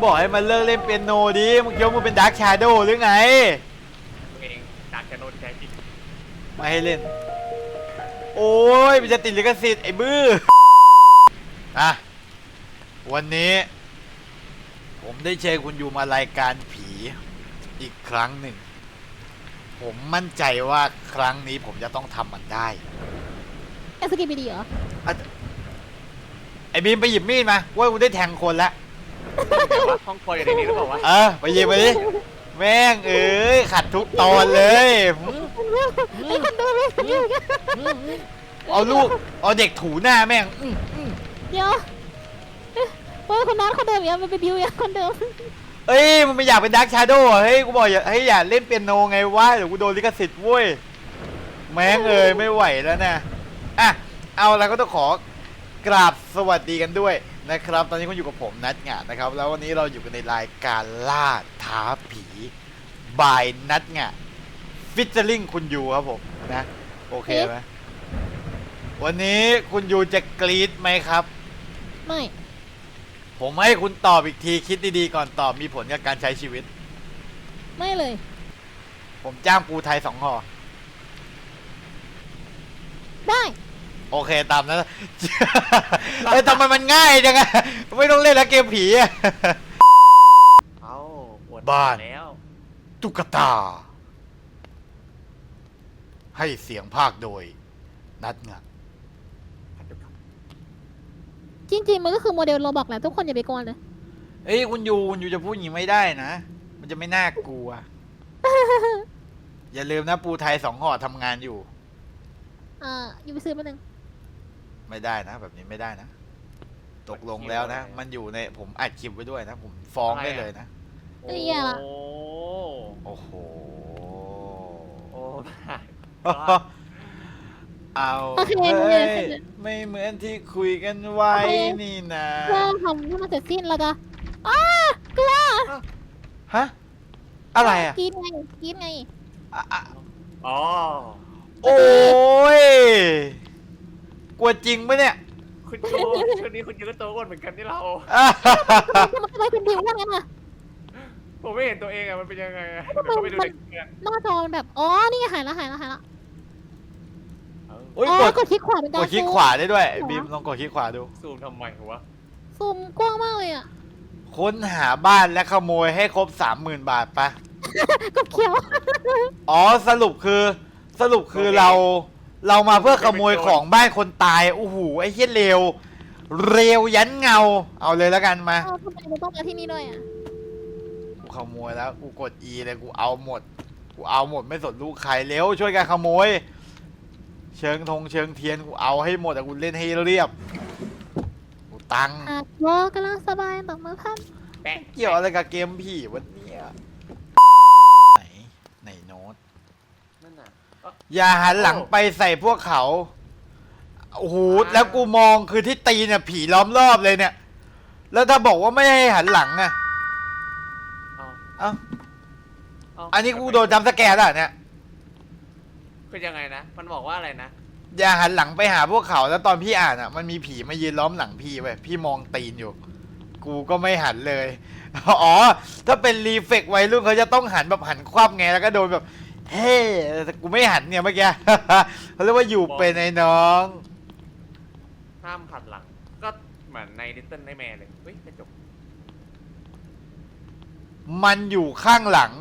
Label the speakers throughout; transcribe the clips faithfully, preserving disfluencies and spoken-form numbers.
Speaker 1: บอกให้มันเลิกเล่นเปียโนดิมึงคิดว่ามึงเป็นดาร์คชาโดว์หรือไง
Speaker 2: เองดาร์คชาโดว์แท้จริง
Speaker 1: ไม่ให้เล่นโอ้ยมันจะติดลิขสิทธิ์ไอ้บื้ออ่ะวันนี้ผมได้เชิญคุณอยู่มารายการผีอีกครั้งหนึ่งผมมั่นใจว่าครั้งนี้ผมจะต้องทำมันได้
Speaker 3: แอสกิปดีเหรอ
Speaker 1: ไอ้บีมไปหยิบมีดมาว่ากูได้แทงคนแล้ว
Speaker 2: ห้องคอยอยู่ในนี้หรือเปล่าวะ
Speaker 1: เออไปหยิบไปดิแม่งเอ้ยขัดทุกตอนเลย
Speaker 3: ไอ้คนดูไม่อยู่
Speaker 1: เอาลูกเอาเด็กถูหน้าแม่ง
Speaker 3: เดี๋ยวเฮ้ยคนนั้นคนเดิมยังมันเป็นดิวยังคนเดิม
Speaker 1: เอ้ยมันไม่อยากเป็นดาร์คชาโดว์เฮ้ยกูบอกอย่าให้อย่าเล่นเปียโนไงวะเดี๋ยวกูโดนลิขสิทธิ์เว้ยแม่งเอ้ยไม่ไหวแล้วนะอ่ะเอาแล้วก็ต้องขอกราบสวัสดีกันด้วยนะครับตอนนี้คุณอยู่กับผมนัทงะนะครับแล้ววันนี้เราอยู่กันในรายการล่าท้าผีบายนัทงะฟิชเชอร์ลิงคุณยูครับผมนะโอเคไหมวันนี้คุณยูจะกรี๊ดไหมครับ
Speaker 3: ไม่
Speaker 1: ผมให้คุณตอบอีกทีคิดดีๆก่อนตอบมีผลกับการใช้ชีวิต
Speaker 3: ไม่เลย
Speaker 1: ผมจ้างปูไทยสองห่อ
Speaker 3: ได้
Speaker 1: โอเคตามนั้นเอ้ยทำไมมันง่ายจังอะไม่ต้องเล่นแล้วเกมผีอะ
Speaker 2: เอา
Speaker 1: บ้าน
Speaker 2: แล้ว
Speaker 1: ตุ๊กตาให้เสียงภาคโดยนัทงะ
Speaker 3: จริงๆมันก็คือโมเดลโรบอกแหละทุกคนอย่าไปกลัวเลย
Speaker 1: เอ้ยคุณยูคุณยูจะพูดอย่างนี้ไม่ได้นะมันจะไม่น่ากลัว อย่าลืมนะปูไทยสองห่อทำงานอยู่
Speaker 3: อ่าอยู่ไปซื้อมาหนึ่ง
Speaker 1: ไม่ได้นะแบบนี้ไม่ได้นะตกลงแล้วนะมันอยู่ในผมอัดคลิปไว้ด้วยนะผมฟ้องได้เลยนะ
Speaker 3: เอ้ยละ
Speaker 1: โอ้โห
Speaker 2: โอ้
Speaker 1: เอาเลยไม่เหมือนที่คุยกันไว้นี่นะ
Speaker 3: ก็ทำให้มันเสร็จสิ้นแล้วก็อ้ากลัว
Speaker 1: ฮะอะไรอ่ะ
Speaker 3: กินไงกินไง
Speaker 2: อ๋อ
Speaker 1: โอ้ยกลัวจริงปะเนี่ย
Speaker 2: คุณโตช่วงนี้คุณยูก็โตก่อนเหมือนกันที่เรา
Speaker 3: มันทำไมเป็นดิวนั่นไง
Speaker 2: ผมไม่เห็นตัวเองอะมันเป็นยังไงเขาไปดูเด็ก
Speaker 3: หน้าจอมันแบบอ๋อนี่หายแล้วหายแล้วหายแล้ว
Speaker 1: โอ้ยกด
Speaker 3: คลิกขวาเป็นการ
Speaker 1: กดคลิกขวาได้ด้วยบีมลองกดคลิกขวาดู
Speaker 2: ซูมทำไมวะ
Speaker 3: ซูมกว้างมากเลยอ่ะ
Speaker 1: ค้นหาบ้านและขโมยให้ครบสามหมื่นบาทปะ
Speaker 3: กดเขียว
Speaker 1: อ๋อสรุปคือสรุปคือเราเรามาเพื่อขโมยของบ้านคนตายโอ้โหไอ้เหี้ยเร็วเร็วยันเงาเอาเลยแล้วกันมา
Speaker 3: ทำไมเราต้องมาที่นี่ด้วยอ่ะ
Speaker 1: กูขโมยแล้วกูกด E เลยกูเอาหมดกูเอาหมดไม่สนลูกใครเร็วช่วยกันขโมยเชิงธงเชิงเทียนกูเอาให้หมดแต่กูเล่นให้เรียบกูตัง
Speaker 3: อ่ะวอกำลังสบายตบมือพัน
Speaker 1: เกี่ยวอะไรกับเกมผีวันนี้ไหนไหนโน้ตอย่าหันหลังไปใส่พวกเขาโอ้โหแล้วกูมองคือที่ตีเนี่ยผีล้อมรอบเลยเนี่ยแล้วถ้าบอกว่าไม่ให้หันหลังอะเอ้าอันนี้กูโดนจำสแกนแล้วเนี่ย
Speaker 2: เป็นยังไงนะมันบอกว่าอะไรนะ
Speaker 1: อย่าหันหลังไปหาพวกเขาแล้วตอนพี่อ่านอ่ะมันมีผีมายืนล้อมหลังพี่เว้ยพี่มองตีนอยู่กูก็ไม่หันเลยอ๋อถ้าเป็นรีเฟกวัยรุ่นเขาจะต้องหันแบบหันคว่ำไงแล้วก็โดนแบบเฮ้แต่กูไม่หันเนี่ยเมื่อกี้เขาเรียกว่าอยู่เป็นไอ้น้อง
Speaker 2: ห้ามหันหลังก็เหมือนในลิตเติ้ลไนท์แมร์เลยเฮ้ยกระจก
Speaker 1: มันอยู่ข้างหลัง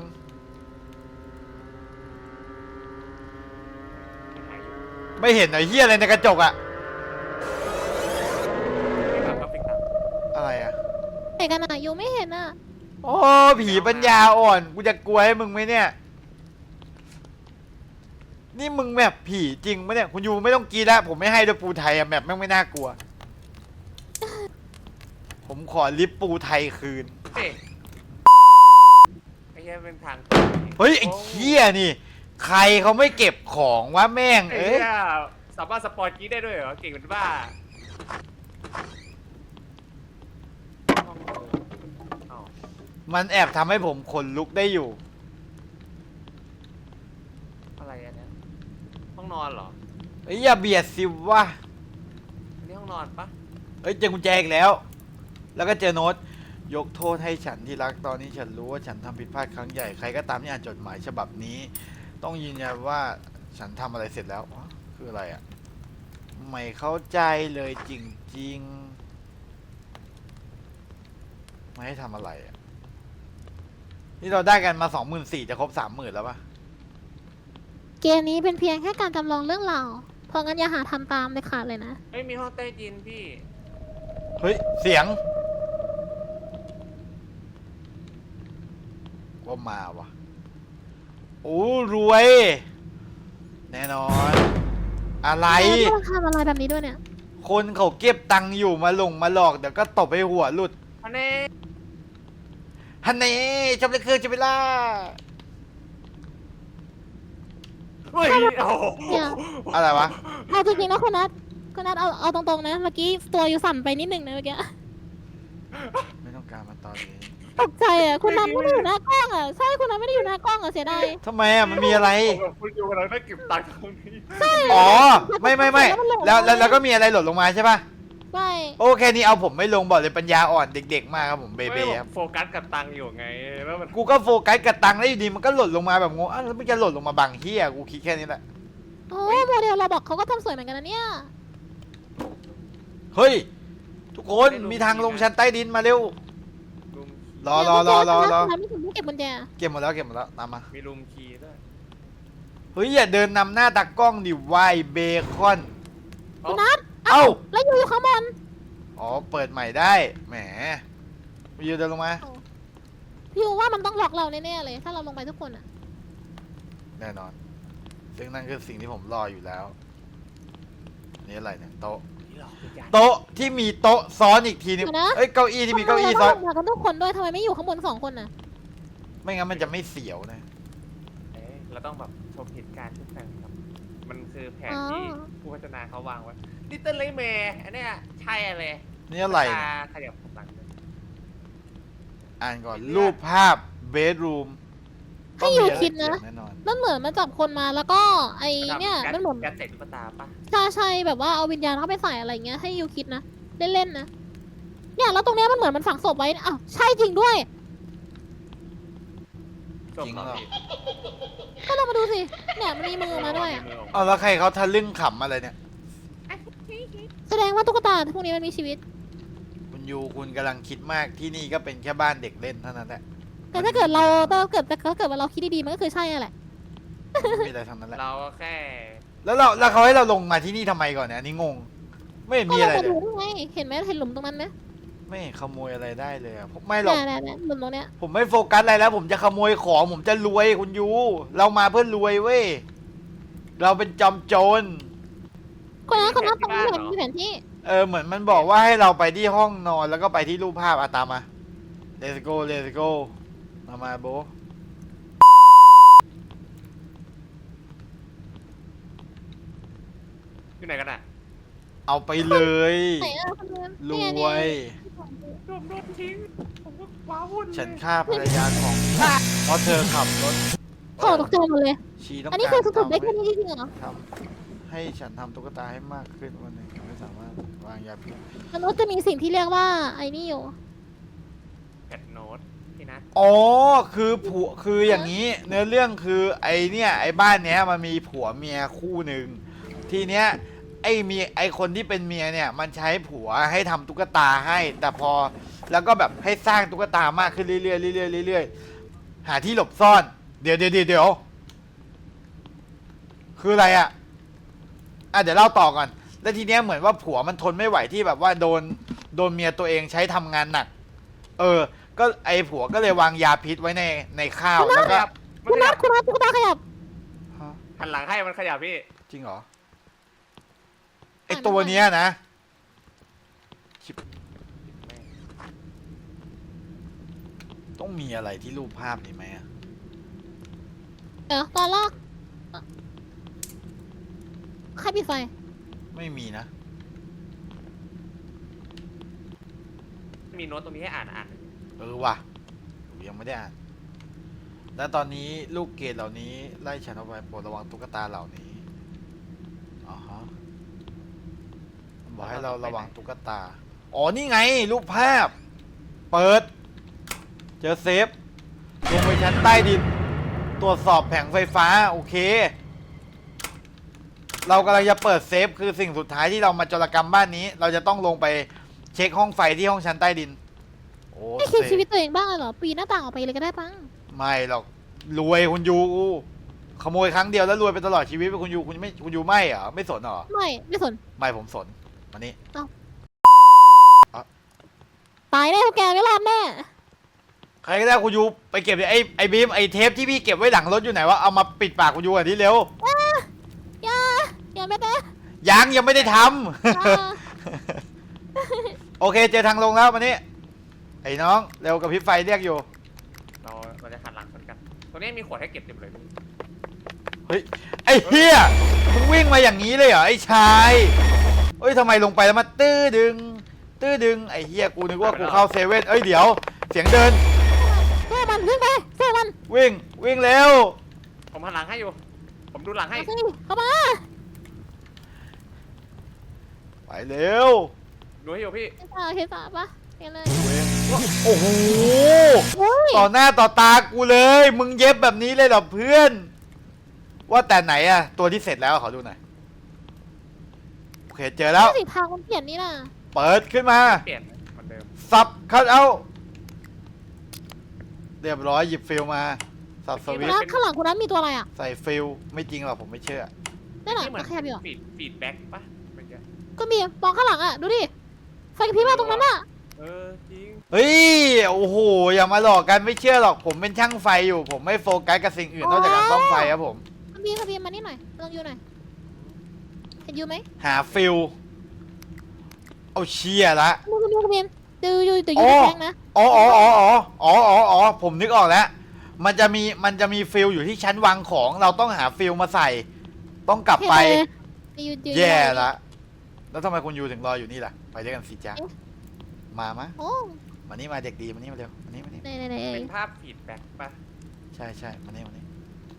Speaker 1: ไม่เห็นไอ้เหี้ยอะไรในกระจกอะอะไรอะ
Speaker 3: ไหนกันอะยูไม่เห็นอะ
Speaker 1: โอ้ผีปัญญาอ่อนกูจะกลัวให้มึงไหมเนี่ยนี่มึงแบบผีจริงไหมเนี่ยคุณยูไม่ต้องกีแล้วผมไม่ให้ด้วยปูไทยอะแบบแม่งไม่น่ากลัวผมขอลิฟปูไทยคืน
Speaker 2: ไอ้เหี้ยเป็นทาง
Speaker 1: เฮ้ยไอ้เหี้ยนี่ใครเขาไม่เก็บของวะแม่งเอ้ย
Speaker 2: สามารถสปอยกี้ได้ด้วยเหรอเก่งเป็นบ้า
Speaker 1: มันแอบทำให้ผมขนลุกได้อยู่
Speaker 2: อะไรอันนี้ห้องนอนเหรอ
Speaker 1: เอ้ยอย่าเบียดสิวะ
Speaker 2: อันนี้ห้องนอนปะ
Speaker 1: เอ้ยเจอกุญแจอีกแล้วแล้วก็เจอโน้ตยกโทษให้ฉันที่รักตอนนี้ฉันรู้ว่าฉันทำผิดพลาดครั้งใหญ่ใครก็ตามที่อ่านจดหมายฉบับนี้ ต้องยืนยันว่าฉันทำอะไรเสร็จแล้วอ๋อคืออะไรอ่ะไม่เข้าใจเลยจริงๆไม่ให้ทำอะไรอ่ะนี่เราได้กันมาสองหมื่นสี่จะครบสามหมื่นแล้วปะ
Speaker 3: เกมนี้เป็นเพียงแค่การจำลองเรื่องราวเพราะงั้นอย่าหาทำตามเลยขาดเลยนะ
Speaker 2: ไม่มีห้องใต้ดินพี่
Speaker 1: เฮ้ยเสียงว่ามาวะโอ้รวย แน่นอน อะไร
Speaker 3: แล้วต้องทำอะไรแบบนี้ด้วยเนี่ย
Speaker 1: คนเขาเก็บตังค์อยู่มาหลงมาหลอกเดี๋ยวก็ตบให้หัวหลุด
Speaker 2: อันนี้
Speaker 1: ฮันเน่จำเลยคือจะไปล่า
Speaker 2: เฮ้ยโอ้โห
Speaker 3: เนี่ย
Speaker 1: อะไรวะ
Speaker 3: เอาจริงๆนะคุณนัทคุณนัทเอาเอาตรงๆนะเมื่อกี้ตัวอยู่สั่นไปนิดหนึ่งนะเมื่อกี้
Speaker 1: ไม่ต้องการมาตอนนี้
Speaker 3: ตกใจอ่ะคุณนัทไม่ได้อยู่หน้ากล้องอ่ะใช่คุณนัทไม่ได้อยู่หน้ากล้องอ่ะเสียดาย
Speaker 1: ทำไมอ่ะมันมีอะไร
Speaker 2: ผมกับคุณอยู่กำลังได้เก็บตังค์ตรงนี้
Speaker 1: อ๋อ ไม่ไม่ไม่แล้วแล้วแล้วก็มีอะไรหล่นลงมาใช่ปะ
Speaker 3: ใช่
Speaker 1: โอเคนี่เอาผมไม่ลงบอกเลยปัญญาอ่อนเด็กๆมากครับผมเบ
Speaker 2: ไม่
Speaker 1: เบ้
Speaker 2: ผม
Speaker 1: ครับ
Speaker 2: โฟกัสกับตังค์อยู่ไงแล้วมัน
Speaker 1: กูก็โฟกัสกับตังค์แล้วอยู่ดีมันก็หล่นลงมาแบบงงอ้าวแล้วมันจะหล่นลงมาบังเฮียกูคิดแค่นี้แหละ
Speaker 3: โอ้โมเดลเราบอกเขาก็ทำสวยเหมือนกันนะเนี่ย
Speaker 1: เฮ้ย ทุกคนมีทางลงชั้นใต้ดินมาเร็ว
Speaker 2: ลุม
Speaker 1: รอรอรอรอรอ
Speaker 3: คุณนัทไม่ถึงเก็บกุญแจ
Speaker 1: เก็บหมดแล้วเก็บหมดแล้วตามมา
Speaker 2: มีลุมคีย์ด้วย
Speaker 1: เฮ้ยอย่าเดินนำหน้าตากล้องดิวายเบคอน
Speaker 3: คุณนัท
Speaker 1: เอ้า
Speaker 3: แล้วอยู่อยู่ข้างบน
Speaker 1: อ๋อเปิดใหม่ได้แหมมายืนเดินลงมา
Speaker 3: พี่ว่ามันต้องหลอกเราแน่ๆเลย ถ้าเราลงไปทุกคนอ่ะ
Speaker 1: แน่นอน ซึ่งนั่นคือสิ่งที่ผมรออยู่แล้วนี่อะไรเนี่ยโต๊ะ
Speaker 2: นี่หรอวิญญาณ
Speaker 1: โต๊ะที่มีโต๊ะซ้อนอีกทีนึง
Speaker 3: เดี๋ยวนะ
Speaker 1: เอ้ยเก้าอี้ที่มีเก้าอี้ซ้อน
Speaker 3: ทำไมเราต้องลงมากันทุกคนด้วยทำไมไม่อยู่ข้างบนสองคนน่ะ
Speaker 1: ไม่งั้นมันจะไม่เสียวนะ
Speaker 2: เอ๊ะเราต้องแบบชมเหตุการณ์ทุกครั้งครับ มันคือแผนที่ผู้พัฒนาเขาวางไว้ลิตเติ้ลเลย์แมร์อันเนี้ยใช่อะไร
Speaker 1: นี่อะไร
Speaker 2: ตา
Speaker 1: เนี่ย
Speaker 2: ขยับหลังเลย
Speaker 1: อ่านก่อนรูปภาพเบดรูม
Speaker 3: ให้อยู่คิดนะ
Speaker 1: แน่นอน
Speaker 3: มันเหมือนมาจับคนมาแล้วก็ไอเนี่ยมันเหมือน
Speaker 2: การเตะตุ๊กตาปะ
Speaker 3: ใช่ใช่แบบว่าเอาวิญญาณเข้าไปใส่อะไรเงี้ยให้ยูคิดนะเล่นๆนะเนี่ยแล้วตรงเนี้ยมันเหมือนมันฝังศพไว้อ้าวใช่จริงด้วย
Speaker 2: จบแล้วพี่
Speaker 3: ก็ลองมาดูสิเนี่ยมันมีมือมาด้วยอะ
Speaker 2: มือออกมา
Speaker 1: เอาแล้วใครเขาทะลึ่งขำอะไรเนี่ย
Speaker 3: แสดงว่าตุ๊กตาพวกนี้มันมีชีวิต
Speaker 1: คุณยูคุณกำลังคิดมากที่นี่ก็เป็นแค่บ้านเด็กเล่นเท่านั้นแหละ
Speaker 3: แต่ถ้าเกิดเราถ้าเกิดถ้าเกิดว่าเราคิดดีๆมันก็คือใช่แหละ
Speaker 1: ไม่มีอะไรทั้งนั้นแหละ
Speaker 2: เราก็แค่
Speaker 1: แล้วเราแล้วเขาให้เราลงมาที่นี่ทำไมก่อนเนี่ยอันนี้งง ไม่เห็น
Speaker 3: ก็
Speaker 1: มี
Speaker 3: เรา
Speaker 1: อะไร
Speaker 3: ไป
Speaker 1: เล
Speaker 3: ดู
Speaker 1: ย
Speaker 3: ได้ไงเห็นไหมเห็นหลุมตรงนั้นไหม
Speaker 1: ไม่เห็นขโมยอะไรได้เลยอะผมไม่หรอก
Speaker 3: เนี่ยเนี่ยหลุมตรงเนี้ย
Speaker 1: ผมไม่โฟกัสอะไรแล้ว ผมจะขโมยของผมจะรวยคุณยูเรามาเพื่อรวยเว้ยเราเป็นจอมโจร
Speaker 3: คนนั้นคนนั้นตรงนี้เห็นมีแผนที่
Speaker 1: เออเหมือนมันบอกว่าให้เราไปที่ห้องนอนแล้วก็ไปที่รูปภาพอะตามมา let's go let's go มามาโบ
Speaker 2: อยู่ไหนกันอ่ะ
Speaker 1: เอาไปเลย
Speaker 3: ไหนอะคนนั้น
Speaker 1: ร
Speaker 3: เนี่ย
Speaker 1: ว
Speaker 3: เนี่ย
Speaker 1: ย
Speaker 2: โดนโดนทิ้ง ผมก็ว้าวุ่นเลย
Speaker 1: ฉันฆ่าภรรยาของเพราะเธอขับรถ
Speaker 3: โถตกใจหมดเลย
Speaker 1: ชีต้อง
Speaker 3: อันนี้
Speaker 1: การ
Speaker 3: คือสรุปได้
Speaker 1: ทำ
Speaker 3: แค่
Speaker 1: ให้
Speaker 3: นี้จริงๆเหรอ
Speaker 1: ทำให้ฉันทำตุ๊กตาให้มากขึ้นวันหนึ่งไม่สามารถวางยาพิษ
Speaker 3: มนุษย์จะมีสิ่งที่เรียกว่าไอ้นี่อยู่
Speaker 2: แพทโน้ตพี่นัท
Speaker 1: อ๋อคือผัวคืออย่างนี้ เนื้อเรื่องคือไอเนี่ยไอบ้านเนี้ยมันมีผัวเมียคู่หนึ่งทีเนี้ยไอเมียไอคนที่เป็นเมียเนี่ยมันใช้ผัวให้ทำตุ๊กตาให้ แต่พอแล้วก็แบบให้สร้างตุ๊กตามากขึ้นเรื่อยๆเรื่อยๆเรื่อยๆหาที่หลบซ่อน เดี๋ยวเดี๋ยวเดี๋ยวคืออะไรอ่ะอ่ะเดี๋ยวเล่าต่อก่อนแล้วทีเนี้ยเหมือนว่าผัวมันทนไม่ไหวที่แบบว่าโดนโดนเมียตัวเองใช้ทำงานหนัก เออ ก็ไอผัวก็เลยวางยาพิษไว้ในในข้าวแล้วก็
Speaker 2: มัน
Speaker 3: คุณ
Speaker 2: ข
Speaker 3: นั
Speaker 2: ยั
Speaker 3: ท
Speaker 2: บ
Speaker 3: คุณนัทตุ๊กตาขยับ
Speaker 1: ฮะ
Speaker 2: หันหลังให้มันขยับพี่
Speaker 1: จริงเหรอไอตัวเนี้ยนะชิบต้องมีอะไรที่รูปภาพนี้ไหมอะ
Speaker 3: เดี๋ยวตอนแรกใครปิดไฟ
Speaker 1: ไม่มีนะ
Speaker 2: มีโน้ตตรงนี้ให้อ่านอ่าน
Speaker 1: เออว่ะผมยังไม่ได้อ่าน และตอนนี้ลูกเกดเหล่านี้ไล่ฉันเอาไปโปรดระวังตุ๊กตาเหล่านี้อ๋อฮะมันบอกให้เราระวังตุ๊กตา อ๋อ นี่ไง รูปภาพเปิด เจอเซฟ ลงไปชั้นใต้ดิน ตรวจสอบแผงไฟฟ้า โอเค เรากำลังจะเปิดเซฟคือสิ่งสุดท้ายที่เรามาโจรกรรมบ้านนี้ เราจะต้องลงไปเช็คห้องไฟที่ห้องชั้นใต้ดิน โอ้
Speaker 3: ไม่คิด
Speaker 1: เซ
Speaker 3: ชี
Speaker 1: ฟ
Speaker 3: วิตตัวเองบ้างเลยเหรอ ปีนหน้าต่างออกไปเลยก็ได้ปัง
Speaker 1: ไม่หรอกรวยคุณยูขโมยครั้งเดียวแล้วรวยไปตลอดชีวิตไปคุณยูคุณไม่คุณยูไม่เหรอไม่สนเหรอ
Speaker 3: ไม่ไม่สน
Speaker 1: ไม่ผมสนมานี่
Speaker 3: ตายแน่พวกแกไม่รอดแน่
Speaker 1: ใครก็ได้คุณยูไปเก็บดิไอ้ไอ้บีมไอ้เทปที่พี่เก็บไว้หลังรถอยู่ไหนวะเอามาปิดปากคุณยูอ่ะทีเร็ว
Speaker 3: อย่าอย่าแม่เต้
Speaker 1: ยังยังไม่ได้ท
Speaker 3: อย่า
Speaker 1: ำ โอเคเจอทางลงแล้วมานี่ไอ้น้องเร็วกับพริบไฟเรียกอยู่
Speaker 2: เราเราจะหันหลังชนกันตรงนี้มีขวดให้เก็บเต็มเลยพี่
Speaker 1: เฮ้ยไอ้เฮียมึงวิ่งมาอย่างนี้เลยเหรอไอ้ชายเอ้ยทำไมลงไปแล้วมาตื้อดึง ตื้อดึงไอ้เฮียกูนึกว่ากูเข้าเซเว่นเอ้ยเดี๋ยวเสียงเดิน
Speaker 3: เสื้อมันวิ่งไปเสื้อมัน
Speaker 1: วิ่งวิ่งเร็ว
Speaker 2: ผมหันหลังให้อยู่ ผมดูหลังให้
Speaker 3: เอาสิเข้ามา
Speaker 1: ไปเร็ว
Speaker 2: ดูให้อยู่พี่
Speaker 3: เห็นตาเห็นตาปะเห็นเลย
Speaker 1: โอ้โห
Speaker 3: เฮ้ย
Speaker 1: ต่อหน้าต่อตากูเลย มึงเย็บแบบนี้เลยเหรอเพื่อน ว่าแต่ไหนอะตัวที่เสร็จแล้วขอดูหน่อยโอเคเจอแล้ว
Speaker 3: สีทางมันเปลี่ยนนี่น่ะ
Speaker 1: เปิดขึ้นมา
Speaker 2: เปลี่ยนเหมือนเดิม
Speaker 1: สับคัดเอาเรียบร้อยหยิบฟิลมาสับส
Speaker 3: คุ
Speaker 1: วิ
Speaker 3: ณ
Speaker 1: ตช์
Speaker 3: นัทข้างหลังคุณนัทมีตัวอะไรอ่ะ
Speaker 1: ใส่ฟิลไม่จริงหรอกผมไม่เชื่อ
Speaker 3: นั่นน่ะ
Speaker 2: ที่เหมือน
Speaker 3: ตะแคบอยู่อะ
Speaker 2: ฟีดฟีดแบ็กปะเมื่อกี้
Speaker 3: ก็มีมองข้างหลังอ่ะดูดิไฟกระพริบมาตรงนั้นอ่ะ
Speaker 2: เออจริง
Speaker 1: เฮ้ยโอ้โหอย่ามาหลอกกันไม่เชื่อหรอกผมเป็นช่างไฟอยู่ ผมไม่โฟกัสกับสิ่งอื่นนอกจากการซ่อมไฟครับผม
Speaker 3: ขบีขบีมานี่หน่อยลองยูหน่อยเห็นยูไหม
Speaker 1: หาฟิลเอาเชียละ
Speaker 3: ดูดูขบีดูยูแต่ยู
Speaker 1: โอ้
Speaker 3: แดงนะ
Speaker 1: อ๋ออ๋ออ๋ออ๋ออ๋ออ๋ออ๋อผมนึกออกแล้ว มันจะมีมันจะมีฟิลอยู่ที่ชั้นวางของ เราต้องหาฟิลมาใส่ ต้องกลับไป
Speaker 3: ยูยู
Speaker 1: แย่ละ แล้วทำไมคุณยูถึงรออยู่นี่ล่ะ ไปด้วยกันสิจ๊ะ มามะ
Speaker 3: โอ้
Speaker 1: มานี่มาเด็กดีมานี่มาเร็วมานี่มานี่
Speaker 3: ไหนไหนไหน
Speaker 2: เป็นภาพฟีดแบ็กปะ
Speaker 1: ใช่ใช่มานี่มานี่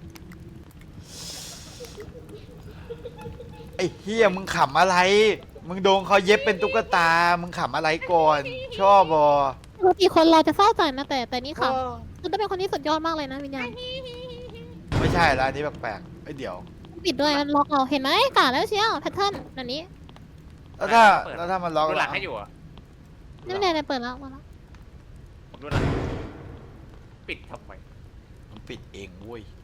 Speaker 1: ไอ้เฮียมึงขำอะไร มึงโดนเขาเย็บเป็นตุ๊กตา มึงขำอะไรก่อน ชอบบอ
Speaker 3: ปกติคนเราจะเศร้าใจนะแต่แต่นี่ค่ะคุณต้องเป็นคนที่สุดยอดมากเลยนะวิญญาณ
Speaker 1: ไม่ใช่ละอันนี้แปลกๆไอ้ยเดี๋ยว
Speaker 3: ปิดด้วยมันล็อกเราเห็นไหมกาแล้วเชียวแพทเทิร์นแบบนี้
Speaker 1: แล้วถ้าแล้วถ้ามันล็อก
Speaker 2: ดูหลังให้อยู่เหรอ่ะ
Speaker 3: นี่ไม่ได้เปิดแล้วมาแล้ว
Speaker 2: ผมดูหลังปิดทำไม
Speaker 1: มันปิดเองเว้ย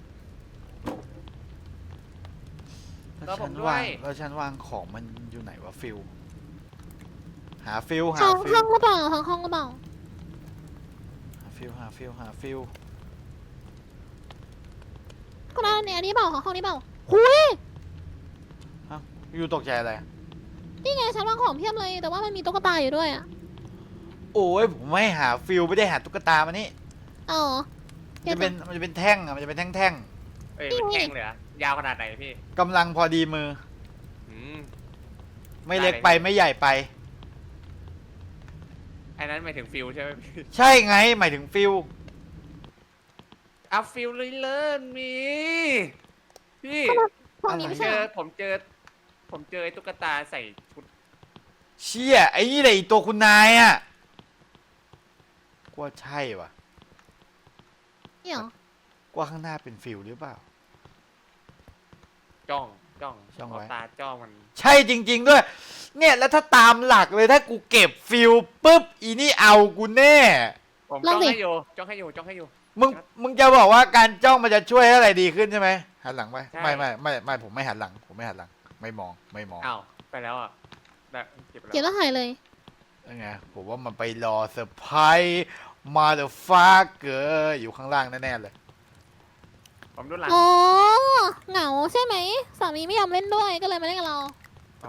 Speaker 2: ก็
Speaker 1: แล้ว
Speaker 2: ผ
Speaker 1: ฉั
Speaker 2: ม
Speaker 1: น
Speaker 2: ด้ว
Speaker 1: วาง
Speaker 2: ย
Speaker 1: แล้วฉันวางของมันอยู่ไหนวะฟิลหาฟิลหา
Speaker 3: ห้อง
Speaker 1: ฟิ
Speaker 3: ห้
Speaker 1: ล
Speaker 3: องหรือเปล่าห้องห้องหรือเปล่า
Speaker 1: หาฟิลหาฟิลหาฟิล
Speaker 3: คุณนัทเนี่ยอันนี้เปล่าห้องนี้เปล่าหุย
Speaker 1: อยู่ตกใจอะไร
Speaker 3: นี่ไงฉันวางของเพียบเลย แต่ว่ามันมีตุ๊กตาอยู่ด้วยอ่ะ
Speaker 1: โอ้ยผมไม่หาฟิลไม่ได้หาตุ๊กตามานี่
Speaker 3: เอาเหรอ
Speaker 1: มันจะเป็นมันจะเป็นแท่งอะมันจะเป็นแท่งแท่ง
Speaker 2: เอ้ยมันแท่งเลยเหรอะยาวขนาดไหนพี่
Speaker 1: ๆกำลังพอดีมือ
Speaker 2: อืม
Speaker 1: ไม่เล็กไปไม่ใหญ่ไป
Speaker 2: อันนั้นหมายถึงฟิลใช่ไหมพี่
Speaker 1: ใช่ไงหมายถึงฟิล
Speaker 2: เอาฟิลเลยเลิศมีพี่
Speaker 3: ห้องนี้
Speaker 2: ผม
Speaker 3: ไม่
Speaker 2: เจ
Speaker 3: ใช่เหร
Speaker 2: อ
Speaker 3: อ
Speaker 2: ผมเจอ ผมเจอไอ้ตุ๊กตาใส่ชุด
Speaker 1: เชี่ยไอ้นี่แหละไอ้ตัวคุณนายอะกว่าใช่วะ
Speaker 3: นี่เหรอก
Speaker 1: ว่าข้างหน้าเป็นฟิลหรือเปล่า
Speaker 2: จ้องจ้อง
Speaker 1: จ้องไว้
Speaker 2: เาตาจ้องมัน
Speaker 1: ใช่จริง ๆด้วย เนี่ยแล้วถ้าตามหลักเลยถ้ากูเก็บฟิลปุ๊บอีนี่เอากูแน่
Speaker 2: ผมจ้องให้อยู่จ้องให้อยู่จ้องให้อยู่
Speaker 1: มึงมึงจะบอกว่าการจ้องมันจะช่วยให้อะไรดีขึ้นใช่ไหมหันหลังไป
Speaker 2: ใช่
Speaker 1: ไม่ไม่ไม่ไม่ผมไม่หันหลัง ผมไม่หันหลัง ไม่มองไม่มอง
Speaker 2: อ้าวไปแล้วอ่ะได้เก็บไป
Speaker 3: เขียน
Speaker 2: แล้ว
Speaker 3: แล้วหายเลย
Speaker 1: ยังไงผมว่ามันไปรอเซอร์ไพรส์มาเดอะฟาเกอร์อยู่ข้างล่างแน่ๆเลย
Speaker 2: ผมดูหลัง
Speaker 3: อ๋อ เหงาใช่ไหม สามีไม่ยอมเล่นด้วยก็เลยมาเล่นกับเรา
Speaker 2: อ๋อ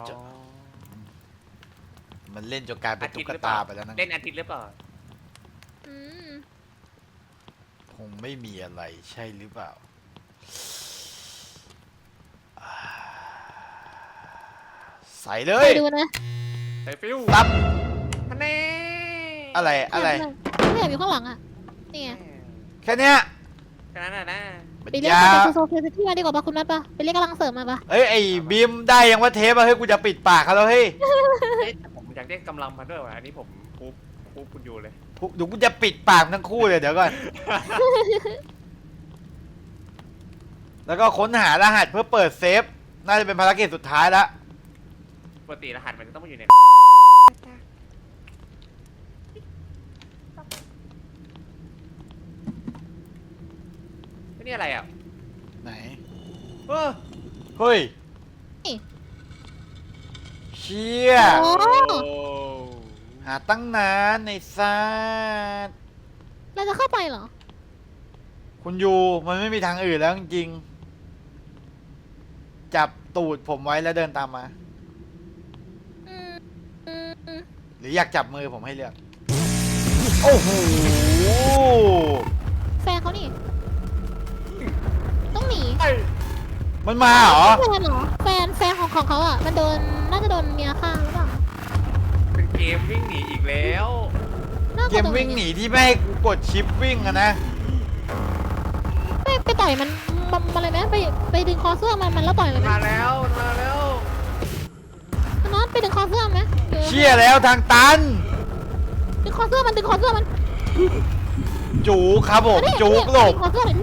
Speaker 1: มันเล่นจนกลายเป็นตุ๊กตาไปแล้วนะ
Speaker 2: เล่นอาทิตย์หรือเปล่า
Speaker 3: อืม
Speaker 1: คงไม่มีอะไรใช่หรือเปล่าอ่าใส่เล
Speaker 3: ไป
Speaker 1: ย
Speaker 3: ดูนะ
Speaker 2: ใส่ฟิล
Speaker 1: ตับ
Speaker 2: ฮันเน่
Speaker 1: อะไรอะไร
Speaker 3: ไม่อยากอยู่ข้างหลังอ่ะ นี่ไง
Speaker 1: แค่เนี้ย
Speaker 2: แค่นั้นน่ะนะ
Speaker 1: มัน
Speaker 3: ไปเรียก
Speaker 1: ยา
Speaker 3: จากโซเฟียที่มาดีกว่าปะคุณนัทปะไปเรียกกำลังเสริมมาปะ
Speaker 1: เอ้ยไอ้บีมได้ยังว่าเทปอะเฮ้ยกูจะปิดปากเขาแล้วเฮ้ย
Speaker 2: เอ๊ะแต่ผมอยากได้กำลังมาด้วยว่ะอันนี้ผมคูปคูปคุณอยู่เลย
Speaker 1: เดี๋ยวกูจะปิดปากทั้งคู่เลยเดี๋ยวก่อน แล้วก็ค้นหารหัสเพื่อเปิดเซฟ น่าจะเป็นภารกิจสุดท้ายละ
Speaker 2: ปกติรหัสมันจะต้องมาอยู่ในนี่อะไรอ่ะ
Speaker 1: ไหน
Speaker 2: เออ
Speaker 1: เฮ้ย
Speaker 3: นี่
Speaker 1: เชี่ย
Speaker 3: โอ้
Speaker 1: หาตั้งนานในซาด
Speaker 3: เราจะเข้าไปเหรอ
Speaker 1: คุณยูมันไม่มีทางอื่นแล้วจริงๆจับตูดผมไว้แล้วเดินตามมา
Speaker 3: อืมอืมอืม
Speaker 1: หรืออยากจับมือผมให้เลือก โอ้โห
Speaker 3: แฟนเขานี่ ต้องหนี
Speaker 1: มันมาเหรอ
Speaker 3: แฟนเหรอ แฟนแฟนของของเขาอ่ะ มันโดน น่าจะโดนเมียฆ่าหรือเปล่า
Speaker 2: เป็นเกมวิ่งหนีอีกแล้ว
Speaker 3: น่า
Speaker 1: เก
Speaker 3: จะ
Speaker 1: ม
Speaker 3: โดน
Speaker 1: วิ่งหนีที่ไม่ให้กูกดชิปวิ่งอะนะ
Speaker 3: ไปไปต่อยมันมันมันอะไรไหมไปไปดึงคอเสื้อมันมันแล้วต่อยเลยไหม
Speaker 2: มาแล้วมาแล้ว
Speaker 3: น็อตไปดึงคอเสื้อไหมออ
Speaker 1: เชี่ยแล้วทางตัน
Speaker 3: ดึงคอเสื้อมันดึงคอเสื้อมัน
Speaker 1: จูครับผม
Speaker 3: ไม่ได้
Speaker 1: จูกหลบ
Speaker 3: ดึงคอเสื้อหน่อยดิ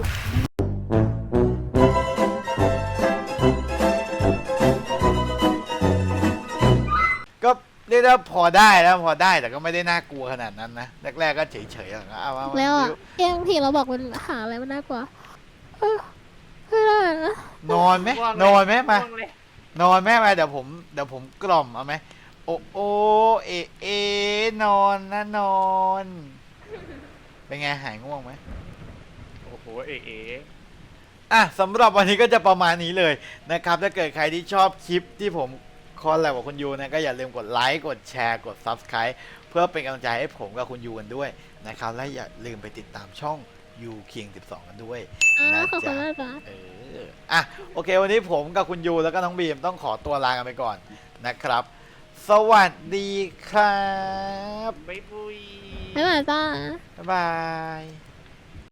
Speaker 1: ก็เรียกได้ว่าพอได้แล้วพอได้แต่ก็ไม่ได้น่ากลัวขนาดนั้นนะแรกๆก็เฉยๆอย่างเอาเอาเอา
Speaker 3: แล้วอ่ะเองทีเราบอกมันหาอะไรมันน่ากลัวเออไม่ได้นะ
Speaker 1: นอนไหม
Speaker 2: ง่วงเลย
Speaker 1: นอนไหมมา
Speaker 2: ง่วงเลย
Speaker 1: นอนไหมมาเดี๋ยวผมเดี๋ยวผมกล่อมเอาไหมโอโอเอเอนอนนะนอน เป็นไงหายง่วงไหม
Speaker 2: โอ้โหเอ๋เอ๋
Speaker 1: อ่ะสำหรับวันนี้ก็จะประมาณนี้เลยนะครับถ้าเกิดใครที่ชอบคลิปที่ผมคอลแลบกับคุณยูนะก็อย่าลืมกดไลค์กดแชร์กด ซับสไครบ์ เพื่อเป็นกำลังใจให้ผมกับคุณยูกันด้วยนะครับและอย่าลืมไปติดตามช่องยูคิงสิบสองกันด้วย
Speaker 3: อ่า
Speaker 1: นะ
Speaker 3: ขอบคุ
Speaker 1: จ๊ะ
Speaker 3: ณมากจ้ะ
Speaker 1: เอออ่ะโอเค วันนี้ผมกับคุณยูแล้วก็น้องบีมต้องขอตัวลากันไปก่อนนะครับ สวัสดีครับ
Speaker 2: ไม่ปุย
Speaker 3: บ๊ายบายจ้า
Speaker 1: บ๊ายบาย